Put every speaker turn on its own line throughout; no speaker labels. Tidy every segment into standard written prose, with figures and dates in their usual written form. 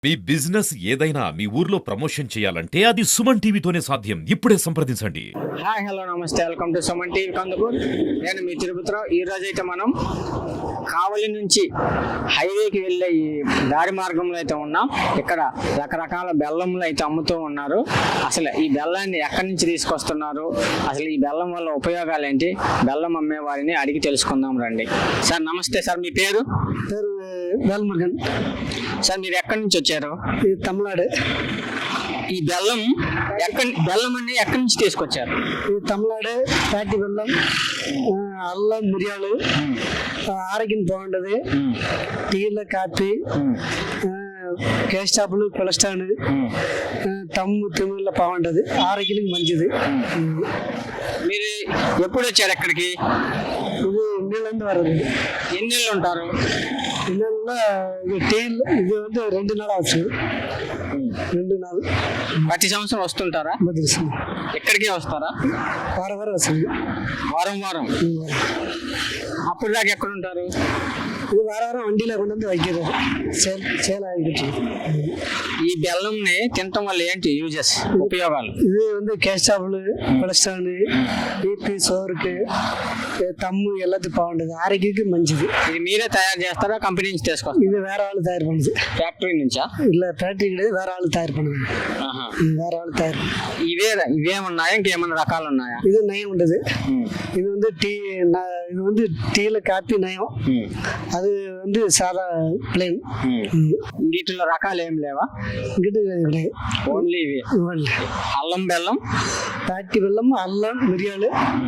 మీ business ఏదైనా మీ ఊర్లో promotion చేయాలంటే అది సుమన్ టీవీతోనే సాధ్యం. ఇప్పుడే సంప్రదించండి.
హాయ్ హలో నమస్తే, welcome to Suman TV Kandukur. నేను మీ తిరుపతిరావు. ఈ రోజు అయితే మనం కావలి నుంచి హైవేకి వెళ్ళే ఈ దారి మార్గంలో అయితే ఉన్నాం. ఇక్కడ రకరకాల బెల్లంలు అయితే అమ్ముతూ ఉన్నారు. అసలు ఈ బెల్లాన్ని ఎక్కడి నుంచి తీసుకొస్తున్నారు, అసలు ఈ బెల్లం వల్ల ఉపయోగాలు ఏంటి, బెల్లం అమ్మే వారిని అడిగి తెలుసుకుందాం రండి. సార్ నమస్తే సార్, మీ పేరు?
వేల్మురుగన్
సార్ మీరు ఎక్కడి నుంచి వచ్చారు?
ఇది తమిళనాడు.
ఈ బెల్లం అన్ని ఎక్కడి నుంచి తీసుకొచ్చారు?
ఇది తమిళనాడు ప్యాటి బెల్లం, అల్లం, మిరియాలు, ఆరోగ్యం బాగుంటది. టీలో కాఫీ, కేస్టాపులు, కొలెస్ట్రాల్, తమ్ము తిమ్మిళ్ళ బాగుంటది, ఆరోగ్యానికి మంచిది.
మీరు ఎప్పుడు వచ్చారు ఎక్కడికి?
ఇది నీళ్ళందు వరది.
ఎన్ని నెలలు ఉంటారు?
ఇళ్ళల్లో ఇది టీల్ ఇది வந்து 2 நாள் ஆச்சு. 2 நாள்
ప్రతి సంవత్సరం వస్తుంటారా?
బదిలిస్తుంది.
ఎక్కడికి వస్తారా?
వారం వస్తుంది.
వారం అప్పుడు దాకా ఎక్కడ ఉంటారు?
ఇది వారం వண்டிలో కొండ వైద్యులు సేల్ ఆగిட்டு.
ఈ బెల్లంని తినటం వల్ల ఏంటి యూజెస్, ఉపయోగాలు?
ఇది வந்து కేస్టాపులు, కొలెస్ట్రాల్, బీపీ, షుగర్కి, తమ్ము எல்லாத்துக்கும் బాగుంటుంది, ఆరోగ్యానికి మంచిది.
ఇది మీరే తయారు చేస్తారా, కంపెనీ నుంచి తీసుకొస్తారా?
ఇది వేరే వాళ్ళు తయారు పడుతుంది.
ఫ్యాక్టరీ నుంచా?
ఇలా ఫ్యాక్టరీ వేరే వాళ్ళు తయారు పడుతుంది. వేరే వాళ్ళు తయారు.
ఇవేమున్నాయా, ఇంకేమైనా రకాలు ఉన్నాయా?
ఇది నయం ఉంటుంది. ఇది வந்து టీ, இது வந்து டீல காப்பி நயம், அது வந்து சாதா பிளேன்.
వీటిలో రకాలు ఏం లేవా?
గిట్టు
ఓన్లీ ఇవి. అల్లం బెల్లం,
తాటి బెల్లం, అల్లం, మిరియాలు.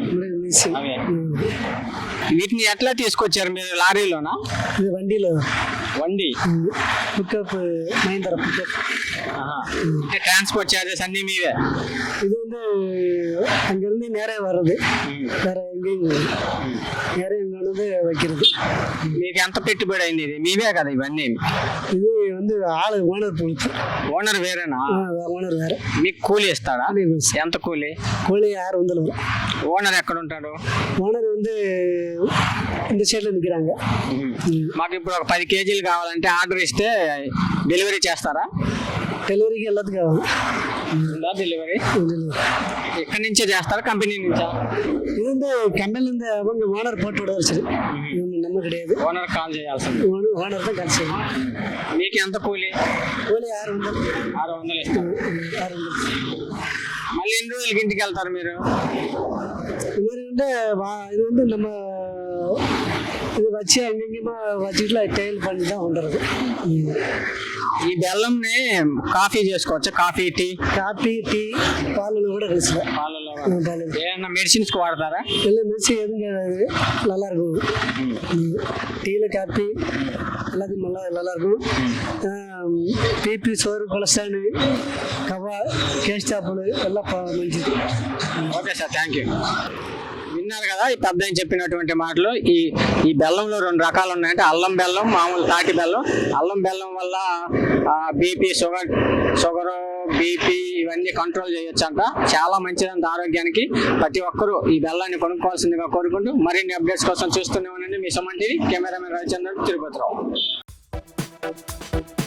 వీటిని ఎట్లా తీసుకొచ్చారు మీరు? లారీలోనా?
ఇది వండి pickup, Mahindra pickup.
Transport charges అన్ని మీవే?
இது வந்து அங்கிருந்து நேரே வர்றது, வேற எங்கேயும் நேரே இங்க வந்து வைக்கிறது.
మీకు ఎంత పెట్టుబడి అయింది? ఇది మీవే కదా ఇవన్నీ?
ఇది வந்து ఆళు ఓనర్ పొడుతు.
ఓనర్ వేరేనా?
ఓనర్ వేరే.
మీకు కూలీ ఇస్తాడా? ఎంత కూలీ?
కూలీ 600.
ఓనర్ ఎక్కడ ఉంటాడు?
ఓనర్ வந்து இந்த సైడ్ లో నిక్கிறாங்க.
మాకు ఇప్పుడు ఒక 10 కేజీలు కావాలంటే ఆర్డర్ ఇస్తే డెలివరీ చేస్తారా?
డెలివరీకి எல்லாத்துக்கும் కావాలి.
డెలివరీ ఎక్కడి నుంచే చేస్తారా, కంపెనీ నుంచా?
இது வந்து கம்பெனில இருந்து அவங்க ஓனர் போட்டு விடுவார். சரி, நம்ம கிடையாது.
ఓనర్ కాల్ చేయాల్సింది.
ఓనర్ தான் కాల్ చేయాలి.
మీకు ఎంత కూలీ?
కూలీ 600.
600 ఇస్తారు.
600.
మళ్ళీ ఎన్ని రోజులకి ఇంటికి వెళ్తారు మీరు?
இது வந்து நம்ம இது வச்சு அங்கேயுமா வச்சுட்டுல టైల్ பண்ணி தான் வந்துடுறது.
ఈ బెల్లంని కాఫీ చేసుకోవచ్చు? Coffee, tea?
కాఫీ, టీ, పాలలో కూడా కలిసి.
పాలలో ఏమన్నా మెడిసిన్స్ కు వాడతారా?
మెడిసిన్ எதுவும் கிடையாது, நல்லா இருக்கும். டீல காஃபி எல்லாத்தையும் நல்லா இருக்கும். బీపీ, షుగర్, కొలెస్ట్రాల్, కవా, కేస్టాపులు ఎல்லாம் మంచిది.
Okay sir, thank you. విన్నారు కదా ఈ పెద్ద చెప్పినటువంటి మాటలు. ఈ బెల్లంలో 2 రకాలు ఉన్నాయంటే అల్లం బెల్లం, మామూలు తాటి బెల్లం. అల్లం బెల్లం వల్ల బీపీ, షుగర్, బీపీ ఇవన్నీ కంట్రోల్ చేయొచ్చు అంట. చాలా మంచిదంట ఆరోగ్యానికి. ప్రతి ఒక్కరూ ఈ బెల్లాన్ని కొనుక్కోవాల్సిందిగా కోరుకుంటూ మరిన్ని అప్డేట్స్ కోసం చూస్తూనే ఉండండి. మీ సుమన్ టీవీ. కెమెరామెన్ రవిచంద్రన్, తిరుపతిరావు.